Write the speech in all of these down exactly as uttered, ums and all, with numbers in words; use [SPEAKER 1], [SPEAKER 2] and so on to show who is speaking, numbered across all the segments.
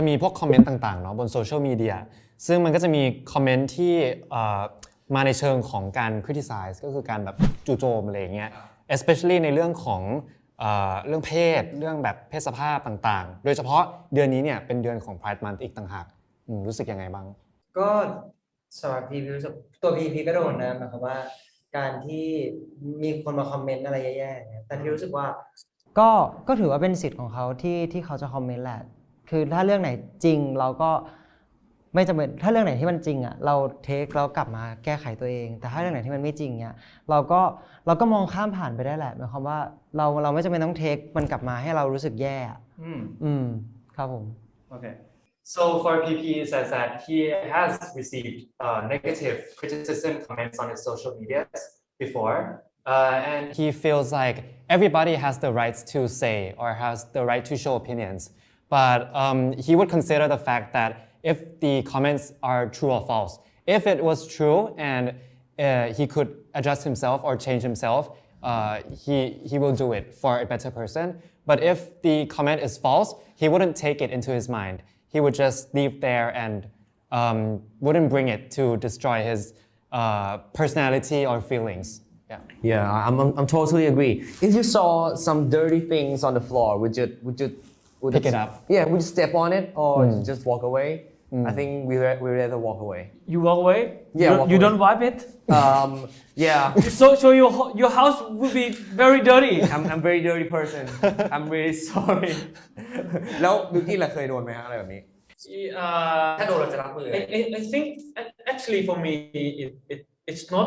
[SPEAKER 1] มีพวกคอมเมนต์ต่างๆเนาะบนโซเชียลมีเดียซึ่งมันก็จะมีคอมเมนต์ที่มาในเชิงของการ criticize ก็คือการแบบจู่โจมอะไรอย่างเงี้ย especially ในเรื่องของเรื่องเพศเรื่องแบบเพศสภาพต่างๆโดยเฉพาะเดือนนี้เนี่ยเป็นเดือนของ Pride Month อีกต่างหากรู้สึกยังไงบ้าง
[SPEAKER 2] ก็สำหรับพีพีรู้สึกตัวพีพีก็โดนนะหมายความว่าการที่มีคนมาคอมเมนต์อะไรแย่ๆเนี่ยแต่ที่รู้สึกว่า
[SPEAKER 3] ก็ก็ถือว่าเป็นสิทธิ์ของเขาที่ที่เขาจะคอมเมนต์แหละคือถ้าเรื่องไหนจริงเราก็ไม่จำเป็นถ้าเรื่องไหนที่มันจริงอ่ะเราเทคเรากลับมาแก้ไขตัวเองแต่ถ้าเรื่องไหนที่มันไม่จริงเนี่ยเราก็เราก็มองข้ามผ่านไปได้แหละหมายความว่าเราเราไม่จำเป็นต้องเทคมันกลับมาให้เรารู้สึกแย่อืมอืมครับผม
[SPEAKER 4] Okay. So for P P says that he has received uh, negative criticism comments on his social media before, uh, and
[SPEAKER 1] he feels like everybody has the right to say or has the right to show opinions, but um, he would consider the fact that if the comments are true or false, if it was true and uh, he could adjust himself or change himself, uh, he he will do it for a better person. But if the comment is false, he wouldn't take it into his mind. He would just leave there and um, wouldn't bring it to destroy his uh, personality or feelings. Yeah.
[SPEAKER 5] Yeah, I'm, I'm I'm totally agree. If you saw some dirty things on the floor, would you would you would
[SPEAKER 1] pick
[SPEAKER 5] you,
[SPEAKER 1] it up?
[SPEAKER 5] Yeah, would you step on it or mm. just walk away? Mm. I think we we rather walk away.
[SPEAKER 6] You walk away?
[SPEAKER 5] Yeah,
[SPEAKER 6] You,
[SPEAKER 5] walk
[SPEAKER 6] you
[SPEAKER 5] away.
[SPEAKER 6] don't wipe it?
[SPEAKER 5] Um, yeah.
[SPEAKER 6] So so your your house will be very dirty.
[SPEAKER 5] I'm I'm very dirty person. I'm really sorry. แล้วบิวกี้ล่ะเคยโดนไหมฮะอะไรแบบนี้
[SPEAKER 4] uh,
[SPEAKER 5] ถ้าโดนเราจะรับมือ
[SPEAKER 4] I, I, I think actually for me it, it it's not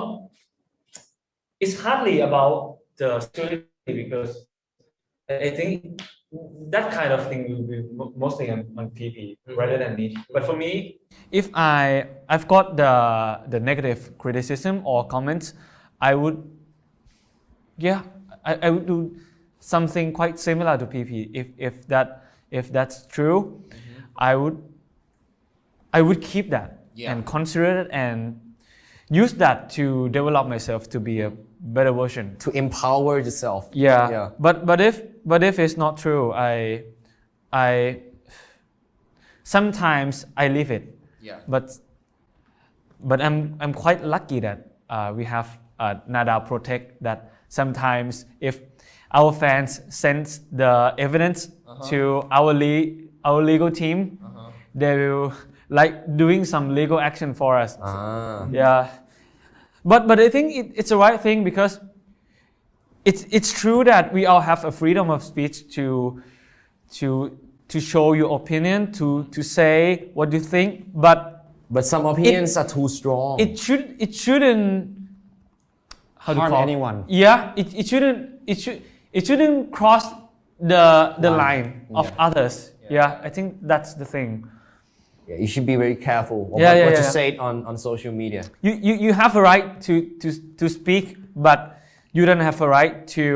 [SPEAKER 4] it's hardly about the security because I think that kind of thing will be mostly on, on P P mm-hmm. rather than me. But for me,
[SPEAKER 6] if I I've got the the negative criticism or comments, I would yeah I, I would do something quite similar to P P. If if that if that's true, mm-hmm. I would I would keep that yeah. and consider it and use that to develop myself to be a better version.
[SPEAKER 5] To empower yourself.
[SPEAKER 6] Yeah.
[SPEAKER 5] yeah.
[SPEAKER 6] But but if but if it's not true, I I sometimes I leave it.
[SPEAKER 5] Yeah.
[SPEAKER 6] But but I'm I'm quite lucky that uh, we have uh, Nada Protect that sometimes if our fans send the evidence uh-huh. to our le- our legal team, uh-huh. they will like doing some legal action for us.
[SPEAKER 5] Ah.
[SPEAKER 6] Yeah. But but I think it, it's the right thing because it's it's true that we all have a freedom of speech to to to show your opinion, to to say what you think, but
[SPEAKER 5] but some opinions
[SPEAKER 6] it,
[SPEAKER 5] are too strong.
[SPEAKER 6] It should it shouldn't how
[SPEAKER 1] harm
[SPEAKER 6] to call
[SPEAKER 1] anyone.
[SPEAKER 6] Yeah, it, it shouldn't it should it shouldn't cross the the line, line of yeah. others. Yeah. yeah, I think that's the thing.
[SPEAKER 5] Yeah, you should be very careful of
[SPEAKER 6] yeah,
[SPEAKER 5] what,
[SPEAKER 6] yeah,
[SPEAKER 5] what
[SPEAKER 6] yeah.
[SPEAKER 5] you say on, on social media.
[SPEAKER 6] You, you you have a right to, to, to speak, but you don't have a right to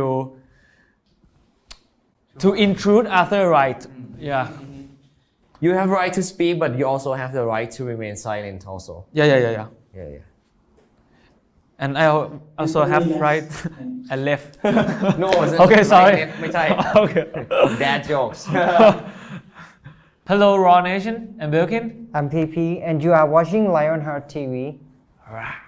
[SPEAKER 6] to intrude other right. Yeah.
[SPEAKER 5] You have a right to speak, but you also have the right to remain silent also.
[SPEAKER 6] Yeah, yeah, yeah, yeah.
[SPEAKER 5] Yeah, yeah.
[SPEAKER 6] And I also have right and left.
[SPEAKER 5] No,
[SPEAKER 6] okay, sorry.
[SPEAKER 5] Right, left, ไม่ใช่
[SPEAKER 6] Okay.
[SPEAKER 5] Dad jokes.
[SPEAKER 6] Hello, Raw Nation and Belkin.
[SPEAKER 3] I'm P P and you are watching Lionheart T V.